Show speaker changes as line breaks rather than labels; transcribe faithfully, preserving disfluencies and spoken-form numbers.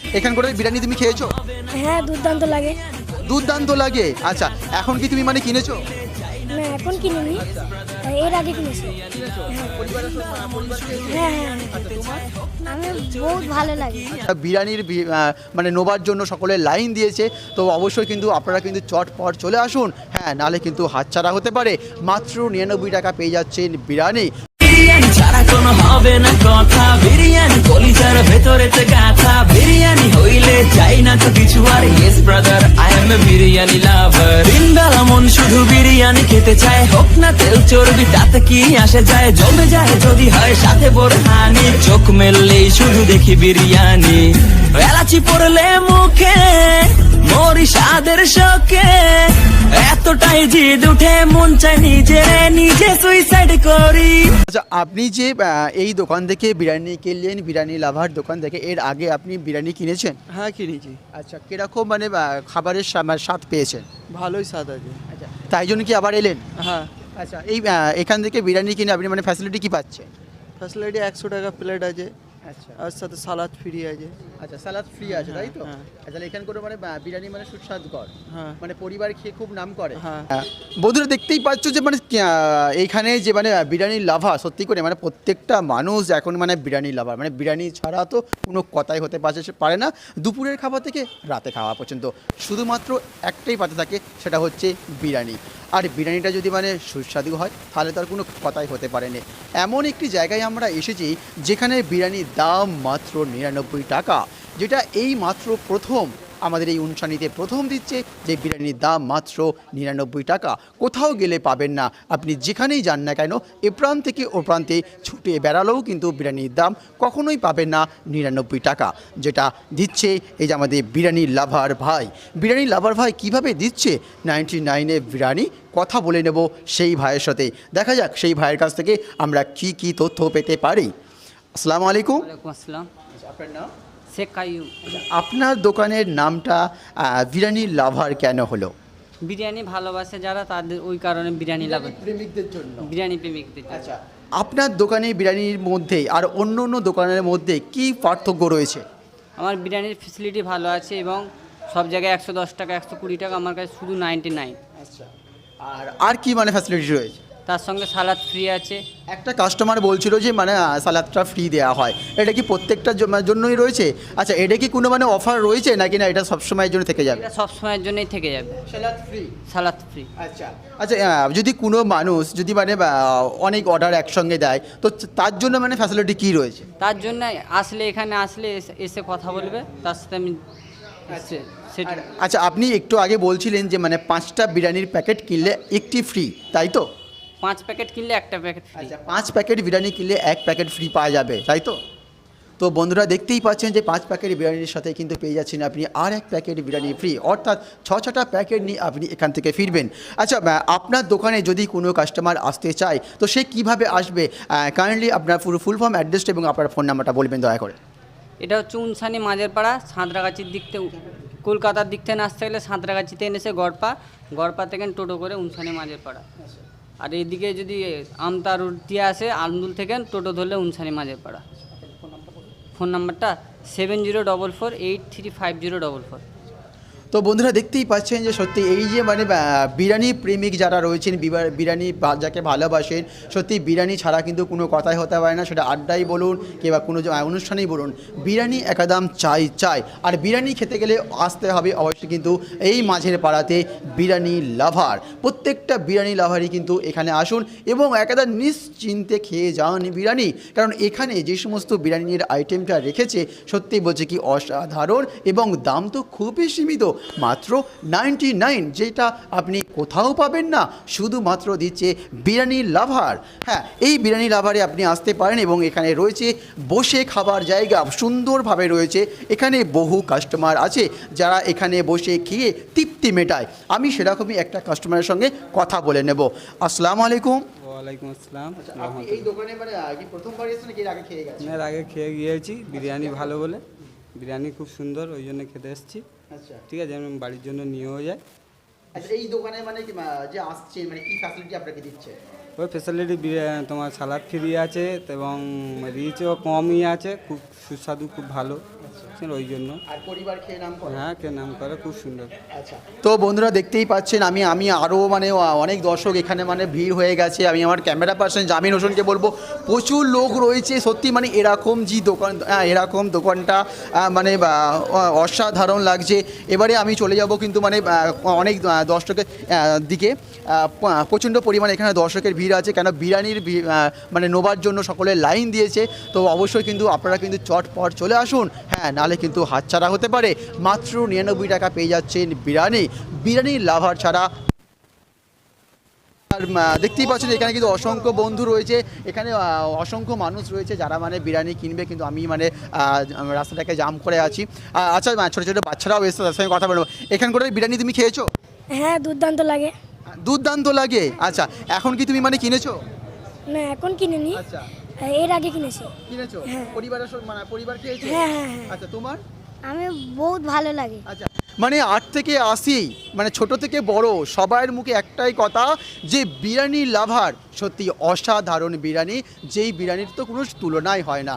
এখান করে বিরিয়ানি তুমি খেয়েছো?
হ্যাঁ, দুর্দান্ত লাগে।
দুর্দান্ত লাগে। আচ্ছা, এখন কি তুমি মানে কিনেছো?
না, এখন কিনিনি, এর আগে কিনেছি। হ্যাঁ হ্যাঁ, আমি বহুত ভালো লাগে।
বিরিয়ানির বি- আহ, মানে নোবার জন্য সকলে লাইন দিয়েছে, তো অবশ্যই কিন্তু আপনারা কিন্তু চটপট চলে আসুন। হ্যাঁ, নালে কিন্তু হাতছাড়া হতে পারে। মাত্র নিরানব্বই টাকা পেয়ে যাচ্ছেন বিরিয়ানি।
বিরিয়ানি ছাড়া কোনো হবে না কথা, বিরিয়ানি কলিজার ভেতরেতে গাথা, বিরিয়ানি হইলে চাই না তো কিছু আর। Yes brother, I am a biryani lover. দিনবেলা মন শুধু বিরিয়ানি খেতে চায়, হোক না তেল চর্বি তাতে কি আসে যায়, জমে যায় যদি হয় সাথে বোরহানি, চোখ মেললেই শুধু দেখি বিরিয়ানি, এলাচি পড়লে মুখে মরি স্বাদের শোকে, এতটাই জিদ উঠে মন চায় নিজে নিজে সুইসাইড করি।
আচ্ছা, আপনি যে আহ, এই দোকান থেকে বিরিয়ানি কিনলেন, বিরিয়ানি লাভার দোকান থেকে, এর আগে আপনি বিরিয়ানি কিনেছেন?
হ্যাঁ, কিনেছি।
আচ্ছা, কিরকম মানে আহ, খাবারের স্বা- মানে স্বাদ পেয়েছেন?
ভালোই স্বাদ আছে।
আচ্ছা, তাই জন্য কি আবার এলেন?
হ্যাঁ,
আচ্ছা, এই আহ, এখান থেকে বিরিয়ানি কিনে আপনি মানে ফ্যাসিলিটি কি পাচ্ছেন?
ফ্যাসিলিটি একশো টাকা প্লেট আছে,
আচ্ছা
আর সাথে সালাদ ফ্রি আছে।
আচ্ছা, সালাদ ফ্রি আছে তাই তো?
হ্যাঁ।
আচ্ছা, এখান করে মানে আহ, বিরিয়ানি মানে সুস্বাদকর,
হ্যাঁ
মানে পরিবার খেয়ে খুব নাম করে।
হ্যাঁ।
হ্যাঁ, বন্ধুরা দেখতেই পাচ্ছ যে মানে আহ, এইখানে যে মানে বিরিয়ানি লাভার, সত্যি করে মানে প্রত্যেকটা মানুষ এখন মানে বিরিয়ানি লাভার, মানে বিরিয়ানি ছাড়া তো কোনো কথাই হতে পারছে সে পারে না। দুপুরের খাবার থেকে রাতে খাওয়া পর্যন্ত শুধুমাত্র একটাই পাতে থাকে, সেটা হচ্ছে বিরিয়ানি। আর বিরিয়ানিটা যদি মানে সুস্বাদু হয় তাহলে তার কোনো কথাই হতে পারে না। এমন একটি জায়গায় আমরা এসেছি যেখানে বিরিয়ানির দাম মাত্র নিরানব্বই টাকা, যেটা এই মাত্র প্রথম আমাদের এই অনুষ্ঠানিতে প্রথম দিচ্ছে যে বিরিয়ানির দাম মাত্র নিরানব্বই টাকা। কোথাও গেলে পাবেন না, আপনি যেখানেই যান না কেন, এ প্রান্ত থেকে ও প্রান্তে ছুটে বেড়ালেও কিন্তু বিরিয়ানির দাম কখনোই পাবেন না নিরানব্বই টাকা, যেটা দিচ্ছে এই যে আমাদের বিরিয়ানি লাভার ভাই। বিরিয়ানি লাভার ভাই কিভাবে দিচ্ছে নাইনটি নাইনে বিরিয়ানি, কথা বলে নেব সেই ভাইয়ের সাথে। দেখা যাক সেই ভাইয়ের কাছ থেকে আমরা কি কি তথ্য পেতে পারি। আসসালামু আলাইকুম।
ওয়ালাইকুম আসসালাম।
আপনার নাম?
শেখ কাইয়ুম।
আপনার দোকানের নামটা আহ, বিরিয়ানি লাভার কেন হলো?
বিরিয়ানি ভালোবাসে যারা, তাদের ওই কারণে বিরিয়ানি লাভার,
প্রেমিকদের জন্য।
বিরিয়ানি প্রেমিকদের জন্য।
আচ্ছা, আপনার দোকানে বিরিয়ানির মধ্যে আর অন্য অন্য দোকানের মধ্যে কি পার্থক্য রয়েছে?
আমার বিরিয়ানির ফেসিলিটি ভালো আছে এবং সব জায়গায় একশো দশ টাকা একশো কুড়ি টাকা, আমার কাছে শুধু নাইনটি নাইন।
আচ্ছা, আর আর কি মানে ফ্যাসিলিটি রয়েছে?
তার সঙ্গে সালাদ ফ্রি আছে।
একটা কাস্টমার বলছিল যে মানে আহ, সালাদটা ফ্রি দেওয়া হয়, এটা কি প্রত্যেকটার জ- মানে জন্যই রয়েছে? আচ্ছা, এটা কি কোনো মানে অফার রয়েছে নাকি না এটা সবসময়ের জন্য থেকে যাবে?
এটা সব সময়ের জন্যই থেকে যাবে,
সালাদ ফ্রি।
সালাদ ফ্রি।
আচ্ছা আচ্ছা, আহ, যদি কোনো মানুষ যদি মানে আহ, অনেক অর্ডার একসঙ্গে দেয়, তো তার জন্য মানে ফ্যাসিলিটি কি রয়েছে?
তার জন্য আসলে এখানে আসলে এসে- এসে কথা বলবে, তার সাথে আমি সে- সেটা
আর- আচ্ছা, আপনি একটু আগে বলছিলেন যে মানে পাঁচটা বিরিয়ানির প্যাকেট কিনলে একটি ফ্রি, তাই তো?
পাঁচ প্যাকেট কিনলে একটা প্যাকেট ফ্রি।
আচ্ছা, পাঁচ প্যাকেট বিরিয়ানি কিনলে এক প্যাকেট ফ্রি পাওয়া যাবে, তাই তো? তো বন্ধুরা দেখতেই পাচ্ছেন যে পাঁচ প্যাকেট বিরিয়ানির সাথে কিন্তু পেয়ে যাচ্ছেন আপনি আর এক প্যাকেট বিরিয়ানি ফ্রি, অর্থাৎ ছ ছটা প্যাকেট নিয়ে আপনি এখান থেকে ফিরবেন। আচ্ছা, আহ, আপনার দোকানে যদি কোনো কাস্টমার আসতে চায় তো সে কিভাবে আসবে? কাইন্ডলি আপনার পুরো ফুল ফর্ম অ্যাড্রেসটা এবং আপনার ফোন নাম্বারটা বলবেন দয়া করে।
এটা হচ্ছে উনসানি মাঝের পাড়া, সাঁতরাগাছির দিক থেকে, কলকাতার দিক থেকে আসতে গেলে সাঁতরাগাছিতে এনেছে গড়পা, গড়পা থেকে টোটো করে উনসানি মাঝের পাড়া। আর এইদিকে যদি আমতা রোড দিয়ে আসে আন্দুল থেকে টোটো ধরলে উনসানি মাঝের পাড়া। ফোন নাম্বারটা seven zero double four eight three five zero double four.
তো বন্ধুরা দেখতেই পাচ্ছেন যে সত্যি এই যে মানে আহ, বিরিয়ানি প্রেমিক যারা রয়েছেন, বিবা- বিরিয়ানি বা- যাকে ভালোবাসেন, সত্যি বিরিয়ানি ছাড়া কিন্তু কোনো কথাই হতে পারে না, সেটা আড্ডাই বলুন কিংবা কোনো যে, আহ, অনুষ্ঠানেই বলুন, বিরিয়ানি একদম চাই চাই। আর বিরিয়ানি খেতে গেলে আসতে হবে অবশ্যই কিন্তু এই মাঝের পাড়াতে বিরিয়ানি লাভার। প্রত্যেকটা বিরিয়ানি লাভারই কিন্তু এখানে আসুন এবং একদম নিশ্চিন্তে খেয়ে যান বিরিয়ানি, কারণ এখানে যে সমস্ত বিরিয়ানির আইটেমটা রেখেছে সত্যি বলছে কি অসাধারণ, এবং দাম তো খুবই সীমিত, মাত্র নাইনটি নাইন, যেটা আপনি কোথাও পাবেন না, শুধুমাত্র দিচ্ছে বিরিয়ানি লাভার। হ্যাঁ, এই বিরিয়ানি লাভারে আপনি আসতে পারেন এবং এখানে রয়েছে বসে খাবার জায়গা, সুন্দরভাবে রয়েছে। এখানে বহু কাস্টমার আছে যারা এখানে বসে খেয়ে তৃপ্তি মেটায়। আমি সেরকমই একটা কাস্টমারের সঙ্গে কথা বলে নেব। আসসালামু আলাইকুম।
ওয়ালাইকুম আসসালাম।
আপনি এই দোকানে মানে আগে প্রথমবার এসেছেন নাকি এর আগে খেয়ে গেছেন?
এর আগে খেয়ে গিয়েছি, বিরিয়ানি ভালো বলে, বিরিয়ানি খুব সুন্দর, ওই জন্য খেতে এসেছি।
আচ্ছা
ঠিক আছে, আমি বাড়ির জন্য নিয়েও যাই।
আচ্ছা, এই দোকানে মানে কি, আহ, যে আসছে মানে কি ফ্যাসিলিটি আপনাকে দিচ্ছে?
ওই ফ্যাসিলিটি তোমার সালাদ ফ্রি আছে এবং রিচও কমই আছে, খুব সুস্বাদু, খুব ভালো। বুঝছেন, ওই জন্য।
আর পরিবার খেয়ে নাম করে।
হ্যাঁ, কে নাম করে, খুব সুন্দর।
আচ্ছা, তো বন্ধুরা দেখতেই পাচ্ছেন আমি আমি আরও মানে অনেক দর্শক এখানে মানে ভিড় হয়ে গেছে। আমি আমার ক্যামেরা পার্সন জামিন হোসেনকে বলবো প্রচুর লোক রয়েছে সত্যি, মানে এরকম যে দোকান আহ, এরকম দোকানটা আহ, মানে আহ, অসাধারণ লাগছে। এবারে আমি চলে যাব কিন্তু মানে আহ, অনেক আহ, দর্শকের আহ, দিকে আহ, প- প্রচণ্ড পরিমাণে এখানে দর্শকের ভিড় আছে, কেন বিরিয়ানির ভি- আহ, মানে নোবার জন্য সকলে লাইন দিয়েছে। তো অবশ্যই কিন্তু আপনারা কিন্তু চটপট চলে আসুন, হ্যাঁ, নালে কিন্তু হাতছাড়া হতে পারে। মাত্র নিরানব্বই টাকা পেয়ে যাচ্ছেন বিরিয়ানি, বিরিয়ানি লাভার ছাড়া। আর আহ, দেখতেই পাচ্ছেন এখানে কিন্তু অসংখ্য বন্ধু রয়েছে, এখানে আহ, অসংখ্য মানুষ রয়েছে যারা মানে বিরিয়ানি কিনবে, কিন্তু আমি মানে আহ, রাস্তাটাকে জাম করে আছি। আহ, আচ্ছা, আহ, ছোটো ছোটো বাচ্চারাও এসে তার সঙ্গে কথা বলবো। এখানকার বিরিয়ানি তুমি খেয়েছো?
হ্যাঁ, দুর্দান্ত লাগে।
দুর্দান্ত লাগে। আচ্ছা, এখন কি তুমি মানে কিনেছো?
না, এখন কিনিনি,
আচ্ছা,
এর আগে কিনেছি।
কিনেছো?
হ্যাঁ।
পরিবারের সঙ্গে মানে পরিবার খেয়েছো?
হ্যাঁ হ্যাঁ হ্যাঁ
আচ্ছা, তোমার?
আমি বহুত ভালো লাগে।
আচ্ছা, মানে আট থেকে আশি মানে ছোট থেকে বড় সবার মুখে একটাই কথা যে বিরিয়ানি লাভার সত্যি অসাধারণ বিরিয়ানি, যেই বিরিয়ানির তো কোনো তুলনাই হয় না।